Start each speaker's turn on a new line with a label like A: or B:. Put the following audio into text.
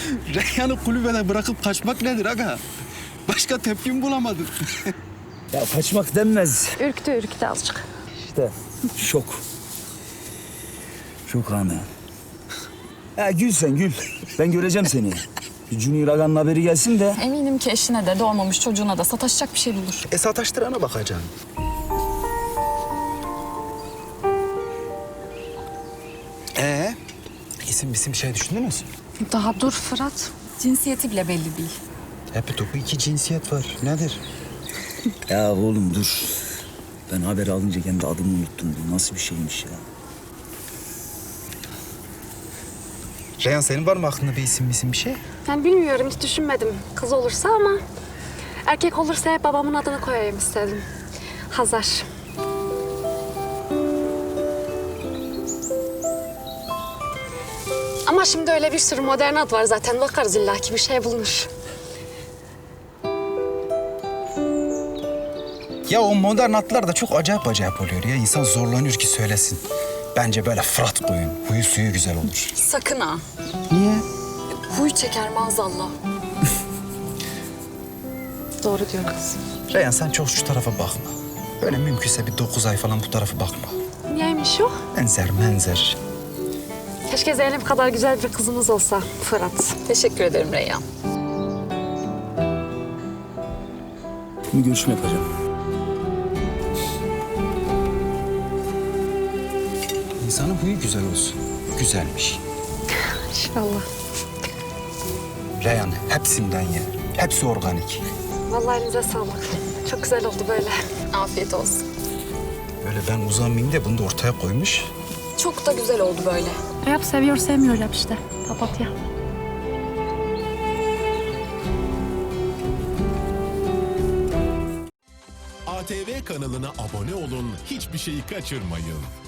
A: Reyhan'ı kulübede bırakıp kaçmak nedir aga? Başka tepkim bulamadım.
B: Ya kaçmak denmez.
C: Ürktü azıcık.
B: İşte şok. Şok anı. Ya gül sen gül. Ben göreceğim seni. Bir Junior Aga'nın haberi gelsin de.
D: Eminim ki eşine de doğmamış çocuğuna da sataşacak bir şey bulur.
A: Sataştırana bakacaksın. İsim şey düşündünüz mü?
C: Daha dur Fırat.
D: Cinsiyeti bile belli değil.
A: Hep topu 2 cinsiyet var. Nedir?
B: Ya oğlum dur. Ben haber alınca kendi adımı unuttum. Bu nasıl bir şeymiş ya?
A: Reyhan senin var mı aklında bir isim bir şey?
C: Ben bilmiyorum, hiç düşünmedim. Kız olursa ama erkek olursa hep babamın adını koyayım istedim. Hazar. Ama şimdi öyle bir sürü modern ad var zaten. Bakarız illaki bir şey bulunur.
A: Ya o modern atlar da çok acayip oluyor ya. İnsan zorlanıyor ki söylesin. Bence böyle Fırat koyun. Huyu suyu güzel olur.
D: Sakın ha.
A: Niye?
D: Huy çeker maazallah.
C: Doğru diyor kız.
A: Reyhan sen çok şu tarafa bakma. Böyle mümkünse bir 9 ay falan bu tarafa bakma.
C: Niyeymiş o?
A: Menzer.
C: Keşke Zeynep kadar güzel bir kızımız olsa Fırat.
D: Teşekkür ederim Reyhan.
B: Bir görüşme yapacağım.
A: İnsanın huyu güzel olsun. Güzelmiş.
C: İnşallah.
A: Reyhan hepsinden ye. Hepsi organik.
C: Vallahi elinize sağlık. Çok güzel oldu böyle.
D: Afiyet olsun.
A: Böyle ben uzanmayayım da bunu da ortaya koymuş.
D: Çok da güzel oldu böyle.
C: Yap seviyor sevmiyor yap işte. Papatya.
E: ATV kanalına abone olun, hiçbir şeyi kaçırmayın.